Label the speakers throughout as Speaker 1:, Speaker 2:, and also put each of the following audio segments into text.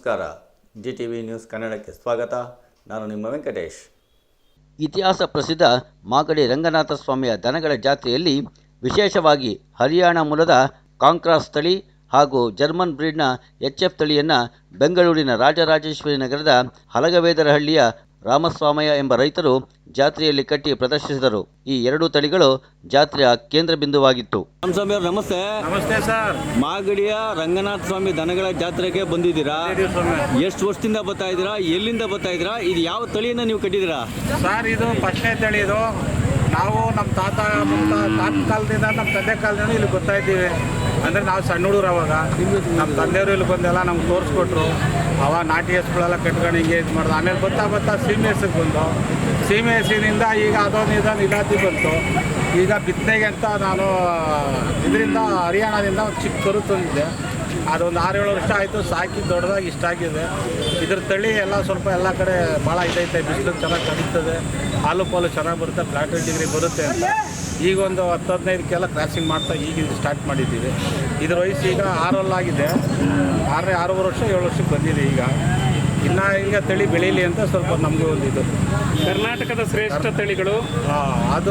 Speaker 1: ನಮಸ್ಕಾರ. GTV news ಕನ್ನಡಕ್ಕೆ ಸ್ವಾಗತ. ನಾನು ನಿಮ್ಮ ವೆಂಕಟೇಶ್.
Speaker 2: ಇತಿಹಾಸ ಪ್ರಸಿದ್ಧ ಮಾಗಡಿ ರಂಗನಾಥ ಸ್ವಾಮಿಯ ದನಗಳ ಜಾತ್ರೆಯಲ್ಲಿ ವಿಶೇಷವಾಗಿ ಹರಿಯಾಣ ಮೂಲದ ಕಾಂಕ್ರಾಸ್ ತಳಿ ಹಾಗೂ ಜರ್ಮನ್ ಬ್ರೀಡ್ನ HF ತಳಿಯನ್ನು ಬೆಂಗಳೂರಿನ ರಾಜರಾಜೇಶ್ವರಿ ನಗರದ ಹಲಗವೇದರಹಳ್ಳಿಯ ರಾಮಸ್ವಾಮಯ್ಯ ಎಂಬ ರೈತರು ಜಾತ್ರೆಯಲ್ಲಿ ಕಟ್ಟಿ ಪ್ರದರ್ಶಿಸಿದರು. ಈ ಎರಡೂ ತಳಿಗಳು ಜಾತ್ರೆಯ ಕೇಂದ್ರ ಬಿಂದುವಾಗಿತ್ತು. ರಾಮಸ್ವಾಮಿ ಅವರು ನಮಸ್ತೆ.
Speaker 3: ನಮಸ್ತೆ ಸರ್.
Speaker 2: ಮಾಗಡಿಯ ರಂಗನಾಥ ಸ್ವಾಮಿ ದನಗಳ ಜಾತ್ರೆಗೆ ಬಂದಿದ್ದೀರಾ? ಎಷ್ಟು ವರ್ಷದಿಂದ ಬರ್ತಾ ಇದ್ದೀರಾ? ಎಲ್ಲಿಂದ ಬರ್ತಾ ಇದ್ದೀರಾ? ಇದು ಯಾವ ತಳಿಯನ್ನು ನೀವು ಕಟ್ಟಿದ್ದೀರಾ?
Speaker 3: ಸರ್, ಇದು ಫಸ್ಟ್ನೇ ತಳಿ. ಇದು ನಾವು ನಮ್ಮ ತಾತ ಕಾಲದಿಂದ, ನಮ್ಮ ತಂದೆ ಕಾಲದಿಂದ ಇಲ್ಲಿ ಬರ್ತಾ ಇದ್ದೀವಿ. ಅಂದರೆ ನಾವು ಸಣ್ಣ ಹುಡುಗರು. ಅವಾಗ ನಮ್ಮ ತಂದೆಯವರು ಇಲ್ಲಿ ಬಂದೆಲ್ಲ ನಮ್ಗೆ ತೋರಿಸ್ಕೊಟ್ರು. ಅವಾಗ ನಾಟಿ ಹಸುಗಳೆಲ್ಲ ಕಟ್ಕೊಂಡು ಹಿಂಗೆ ಇದು ಮಾಡೋದು. ಆಮೇಲೆ ಬರ್ತಾ ಸೀಮೆ ಹಸಿಗೆ ಬಂದು, ಸೀಮೆ ಹಸಿನಿಂದ ಈಗ ಅದೊಂದು ಇಲಾತಿ ಬಂತು. ಈಗ ಬಿತ್ತನೆಗೆ ಅಂತ ನಾನು ಇದರಿಂದ ಹರಿಯಾಣದಿಂದ ಒಂದು ಚಿಕ್ಕ ಕರು ತಂದಿದ್ದೆ. ಅದೊಂದು 6-7 ವರ್ಷ ಆಯಿತು ಸಾಕಿ ದೊಡ್ಡದಾಗಿ ಇಷ್ಟ ಆಗಿದೆ. ಇದ್ರ ತಳಿ ಎಲ್ಲ ಸ್ವಲ್ಪ ಎಲ್ಲ ಕಡೆ ಭಾಳ ಇದೈತೆ. ಬಿಸಿಲು ಚೆನ್ನಾಗಿ ಕಡಿತದೆ, ಹಾಲು ಪಾಲು ಚೆನ್ನಾಗಿ ಬರುತ್ತೆ, ಫ್ಲಾಟ್ ಡಿಗ್ರಿ ಬರುತ್ತೆ ಅಂತ ಈಗ ಒಂದು 10-15ಕ್ಕೆಲ್ಲ ಕ್ರಾಸಿಂಗ್ ಮಾಡ್ತಾ ಈಗ ಸ್ಟಾರ್ಟ್ ಮಾಡಿದ್ದೀವಿ. ಇದ್ರ ವಯಸ್ಸು ಈಗ 6 ಆಗಿದೆ. 6.5 ವರ್ಷ 7 ವರ್ಷಕ್ಕೆ ಬಂದಿದೆ. ಇನ್ನು ಈಗ ತಳಿ ಬೆಳೀಲಿ ಅಂತ ಸ್ವಲ್ಪ ನಮಗೂ ಒಂದು ಇದು.
Speaker 4: ಕರ್ನಾಟಕದ ಶ್ರೇಷ್ಠ ತಳಿಗಳು
Speaker 3: ಅದು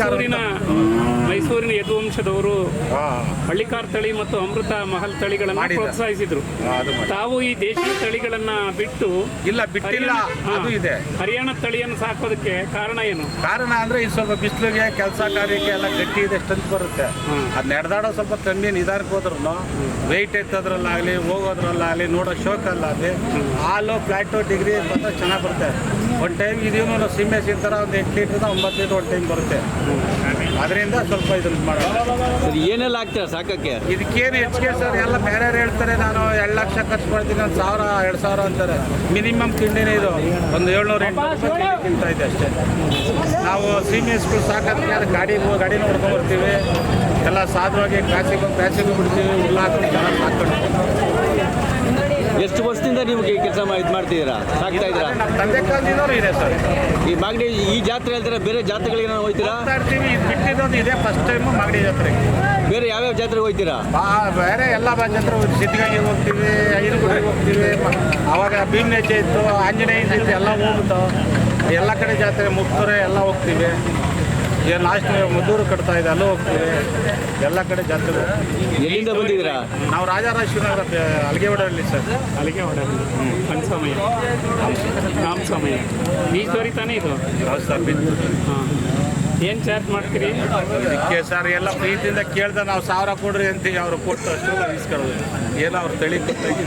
Speaker 4: ಮೈಸೂರಿನ ಯದುವಂಶದವರು ಹಳ್ಳಿಕಾರ್ ತಳಿ ಮತ್ತು ಅಮೃತ ಮಹಲ್ ತಳಿಗಳನ್ನು ಪ್ರೋತ್ಸಾಹಿಸಿದ್ರು. ತಾವು ಈ ದೇಶೀಯ ತಳಿಗಳನ್ನ
Speaker 3: ಬಿಟ್ಟಿಲ್ಲ. ಅದು ಇದೆ.
Speaker 4: ಹರಿಯಾಣ ತಳಿಯನ್ನು ಸಾಕೋದಕ್ಕೆ ಕಾರಣ ಏನು?
Speaker 3: ಕಾರಣ ಅಂದ್ರೆ ಇದು ಸ್ವಲ್ಪ ಬಿಸಿಲಿಗೆ ಕೆಲಸ ಕಾರ್ಯಕ್ಕೆ ಎಲ್ಲ ಗಟ್ಟಿ ಇದೆ, ಸ್ಟ್ರೆಂತ್ ಬರುತ್ತೆ. ಅದು ನಡೆದಾಡೋ ಸ್ವಲ್ಪ ಕಮ್ಮಿ ನಿಧಾನಕ್ಕೆ ಹೋದ್ರೂ ವೆಯ್ಟ್ ಎತ್ತೋದ್ರಲ್ಲಾಗಲಿ ಹೋಗೋದ್ರಲ್ಲಾಗಲಿ ನೋಡೋ ಶೋಕಲ್ಲಾಗಲಿ ಹಾಲು ಫ್ಲಾಟು ಡಿಗ್ರಿ ಬಂದರೆ ಚೆನ್ನಾಗಿ ಬರುತ್ತೆ. ಒಂದು ಟೈಮ್ ಇದೀನು ಸೀಮೆ ಥರ ಒಂದು 8 ಲೀಟ್ರಿಂದ 9 ಲೀಟ್ರ್ ಒಂದು ಟೈಮ್ ಬರುತ್ತೆ. ಅದರಿಂದ ಸ್ವಲ್ಪ ಇದನ್ನು ಮಾಡೋದು.
Speaker 2: ಏನೆಲ್ಲ ಆಗ್ತೀರಾ ಸಾಕಕ್ಕೆ?
Speaker 3: ಇದಕ್ಕೇನು ಹೆಚ್ಚಿಗೆ ಸರ್, ಎಲ್ಲ ಬೇರೆ ಹೇಳ್ತಾರೆ. ನಾನು 2 ಲಕ್ಷ ಖರ್ಚು ಮಾಡ್ತೀನಿ, 1,000 2,000 ಅಂತಾರೆ. ಮಿನಿಮಮ್ ತಿಂಡಿನೇ ಇದು ಒಂದು 700-800 ರೂಪಾಯಿ ತಿಂತಾ ಇದೆ ಅಷ್ಟೇ. ನಾವು ಸೀಮೆ ಹಸುಗಳು ಸಾಕೋದಕ್ಕೆ ಅದು ಗಾಡಿ ನೋಡ್ಕೊಂಡು ಬರ್ತೀವಿ. ಎಲ್ಲ ಸಾಧವಾಗಿ ಕ್ರಾಸಿಗೆ ಬಿಡ್ತೀವಿ. ಹುಲ್ಲು ಹಾಕೊಂಡು ಚೆನ್ನಾಗಿ ಸಾಕೊಂಡು.
Speaker 2: ಎಷ್ಟು ವರ್ಷದಿಂದ ನೀವು ಈ ಕೆಲಸ ಮಾಡ್ತಿದ್ದೀರಾ, ಸಾಕ್ತಾ ಇದ್ದೀರಾ?
Speaker 3: ನಮ್ಮ ತಂದೆ ಕಾಲದಿಂದಲೂ ಇದೆ ಸರ್.
Speaker 2: ಈ ಮಾಗಡಿ ಈ ಜಾತ್ರೆ ಹೇಳ್ತಾರೆ, ಬೇರೆ ಜಾತ್ರೆಗಳಿಗೆ ನಾವು ಹೋಗ್ತೀರಾ?
Speaker 3: ಇರ್ತೀವಿ. ಇದು ಬಿಟ್ಟಿದ್ದೊಂದು ಇದೆ ಫಸ್ಟ್ ಟೈಮು ಮಾಗಡಿ ಜಾತ್ರೆಗೆ.
Speaker 2: ಬೇರೆ ಯಾವ್ಯಾವ ಜಾತ್ರೆಗೆ ಹೋಗ್ತೀರಾ?
Speaker 3: ಬೇರೆ ಎಲ್ಲ ಜಾತ್ರೆ ಸಿದ್ಧಗಂಗೆಗೆ ಹೋಗ್ತೀವಿ, ಐನಗುಡಿಗೆ ಹೋಗ್ತೀವಿ. ಅವಾಗ ಭೀಮನೆಚ್ಚೆ ಇತ್ತು, ಆಂಜನೇಯ ಇತ್ತು, ಎಲ್ಲ ಹೋಗ್ಬಿಟ್ಟು ಎಲ್ಲ ಕಡೆ ಜಾತ್ರೆ ಮುಕ್ತೂರೆ ಎಲ್ಲ ಹೋಗ್ತೀವಿ. ಈಗ ಲಾಸ್ಟ್ ಮದ್ದೂರು ಕಟ್ತಾ ಇದೆ, ಅಲ್ಲೂ ಹೋಗ್ತೀವಿ. ಎಲ್ಲ ಕಡೆ ಜಾತ್ರೆ.
Speaker 2: ಎಲ್ಲಿಂದ ಬಂದಿದ್ದೀರಾ?
Speaker 3: ನಾವು ರಾಜರಾಜೇಶ್ವರಿ ನಗರ ಅಲಿಗೆವಾಡಲ್ಲಿ ಸರ್.
Speaker 4: ಅಲಿಗೆವಾಡಲ್ಲಿ ರಾಮಸ್ವಾಮಯ್ಯ ಈಶ್ವರಿ ತಾನೇ ಇದು?
Speaker 3: ಹೌದು ಸರ್.
Speaker 4: ಏನು ಚಾರ್ಜ್ ಮಾಡ್ತೀರಿ
Speaker 3: ಇದಕ್ಕೆ? ಸರ್ ಎಲ್ಲ ಪ್ರೀತಿಯಿಂದ ಕೇಳ್ದೆ ನಾವು 1000 ಕೊಡ್ರಿ ಅಂತೀವಿ. ಅವರು ಕೊಟ್ಟು ಅಷ್ಟು ಇಸ್ಕೊಳ್ಳೋದು ಏನೋ ಅವ್ರು ತಳಿ ಕೊಟ್ಟಾಗಿ.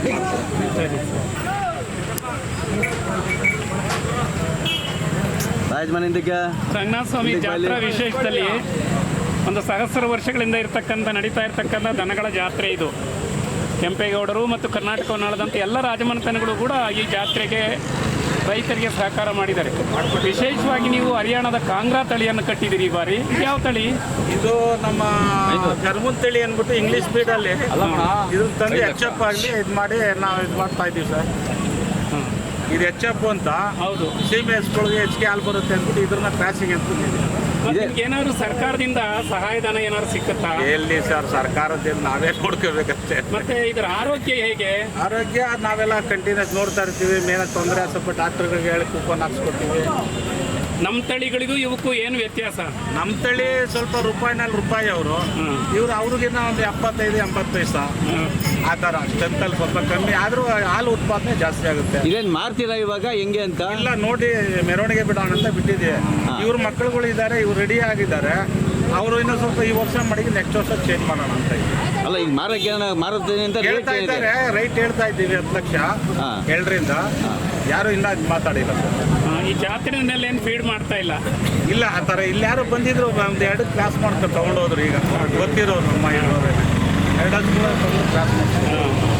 Speaker 4: ರಂಗನಾಥ ಸ್ವಾಮಿ ಜಾತ್ರಾ ವಿಶೇಷದಲ್ಲಿ ಒಂದು 1000 ವರ್ಷಗಳಿಂದ ನಡೀತಾ ಇರ್ತಕ್ಕಂಥ ದನಗಳ ಜಾತ್ರೆ ಇದು. ಕೆಂಪೇಗೌಡರು ಮತ್ತು ಕರ್ನಾಟಕವನ್ನಾಳದಂತೆ ಎಲ್ಲ ರಾಜಮನೆತನಗಳು ಕೂಡ ಈ ಜಾತ್ರೆಗೆ ರೈತರಿಗೆ ಸಹಕಾರ ಮಾಡಿದ್ದಾರೆ. ವಿಶೇಷವಾಗಿ ನೀವು ಹರಿಯಾಣದ ಕಾಂಗ್ರಾ ತಳಿಯನ್ನು ಕಟ್ಟಿದ್ದೀರಿ. ಈ ಬಾರಿ ಯಾವ ತಳಿ
Speaker 3: ಇದು? ನಮ್ಮ ಜರ್ಮನ್ ತಳಿ ಅಂದ್ಬಿಟ್ಟು ಇಂಗ್ಲೀಷ್ ಸ್ಪೀಡಲ್ಲಿ ಇದು ತಂದು HF ಆಗಲಿ ಇದು ಮಾಡಿ ನಾವು ಇದು ಮಾಡ್ತಾ ಇದ್ದೀವಿ ಸರ್. ಇದು HF ಅಂತ.
Speaker 4: ಹೌದು.
Speaker 3: ಸೀಮೆ ಹಸುಗಳಿಗೆ ಹೆಚ್ಚಿಗೆ ಹಾಲು ಬರುತ್ತೆ ಅಂದ್ಬಿಟ್ಟು ಇದ್ರನ್ನ ಕ್ರಾಸಿಂಗ್ ಅಂತ.
Speaker 4: ಏನಾದ್ರು ಸರ್ಕಾರದಿಂದ ಸಹಾಯಧನ ಏನಾದ್ರು ಸಿಕ್ಕತ್ತಾ?
Speaker 3: ಎಲ್ಲಿ ಸರ್, ಸರ್ಕಾರದಿಂದ ನಾವೇ ನೋಡ್ಕೋಬೇಕಷ್ಟೇ.
Speaker 4: ಮತ್ತೆ ಇದರ ಆರೋಗ್ಯ ಹೇಗೆ?
Speaker 3: ಆರೋಗ್ಯ ನಾವೆಲ್ಲ ಕಂಟಿನ್ಯೂಸ್ ನೋಡ್ತಾ ಇರ್ತೀವಿ. ಮೇನ ತೊಂದರೆ ಸ್ವಲ್ಪ ಡಾಕ್ಟರ್ಗಳಿಗೆ ಹೇಳಿ ಕೂಪನ್ ಹಾಕ್ಸ್ಕೊತೀವಿ.
Speaker 4: ನಮ್ಮ ತಳಿಗಳಿಗೂ ಇವಕ್ಕೂ ಏನು ವ್ಯತ್ಯಾಸ?
Speaker 3: ನಮ್ಮ ತಳಿ ಸ್ವಲ್ಪ ರೂಪಾಯಿ ಅವರು, ಅವ್ರಿಗಿನ್ನ ಒಂದು 75-80 ಪೈಸಾ ಆ ಥರ. ಸ್ಟ್ರೆಂತಲ್ಲಿ ಸ್ವಲ್ಪ ಕಮ್ಮಿ ಆದರೂ ಹಾಲು ಉತ್ಪಾದನೆ ಜಾಸ್ತಿ ಆಗುತ್ತೆ.
Speaker 2: ಇದೇನು ಮಾರ್ತೀರಾ ಇವಾಗ ಹೆಂಗೆ ಅಂತ?
Speaker 3: ಇಲ್ಲ, ನೋಡಿ ಮೆರವಣಿಗೆ ಬಿಡೋಣ ಅಂತ ಬಿಟ್ಟಿದ್ದೀವಿ. ಇವ್ರ ಮಕ್ಕಳುಗಳು ಇದ್ದಾರೆ, ಇವ್ರು ರೆಡಿ ಆಗಿದ್ದಾರೆ. ಅವರು ಇನ್ನೂ ಸ್ವಲ್ಪ ಈ ವರ್ಷ ಮಾಡಿ ನೆಕ್ಸ್ಟ್ ವರ್ಷ ಚೇಂಜ್ ಮಾಡೋಣ ಅಂತ.
Speaker 2: ಅಲ್ಲ, ಈಗ ಮಾರುತ್ತೇನೆ ಅಂತ
Speaker 3: ಹೇಳ್ತಾ ಇದ್ದಾರೆ. ರೈಟ್ ಹೇಳ್ತಾ ಇದ್ದೀವಿ 10 ಲಕ್ಷ 7ರಿಂದ. ಯಾರು ಇನ್ನೂ ಅದು ಮಾತಾಡಿಲ್ಲ ಸರ್.
Speaker 4: ಈ ಜಾತ್ರೆಯಲ್ಲಿ ಏನು ಫೀಡ್ ಮಾಡ್ತಾ ಇಲ್ಲ
Speaker 3: ಆ ಥರ. ಇಲ್ಲಿ ಯಾರು ಬಂದಿದ್ರು ಒಂದು 2 ಕ್ಲಾಸ್ ಮಾಡ್ಕೊಂಡು ತೊಗೊಂಡೋದ್ರು. ಈಗ ಗೊತ್ತಿರೋರು ನಮ್ಮ ಇರೋರು 2 ಕ್ಲಾಸ್ ಮಾಡ್ತಾರೆ.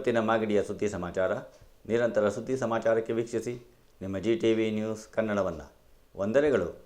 Speaker 1: ಇವತ್ತಿನ ಮಾಗಡಿಯ ಸುದ್ದಿ ಸಮಾಚಾರ. ನಿರಂತರ ಸುದ್ದಿ ಸಮಾಚಾರಕ್ಕೆ ವೀಕ್ಷಿಸಿ ನಿಮ್ಮ GTV ನ್ಯೂಸ್ ಕನ್ನಡವನ್ನು. ವಂದನೆಗಳು.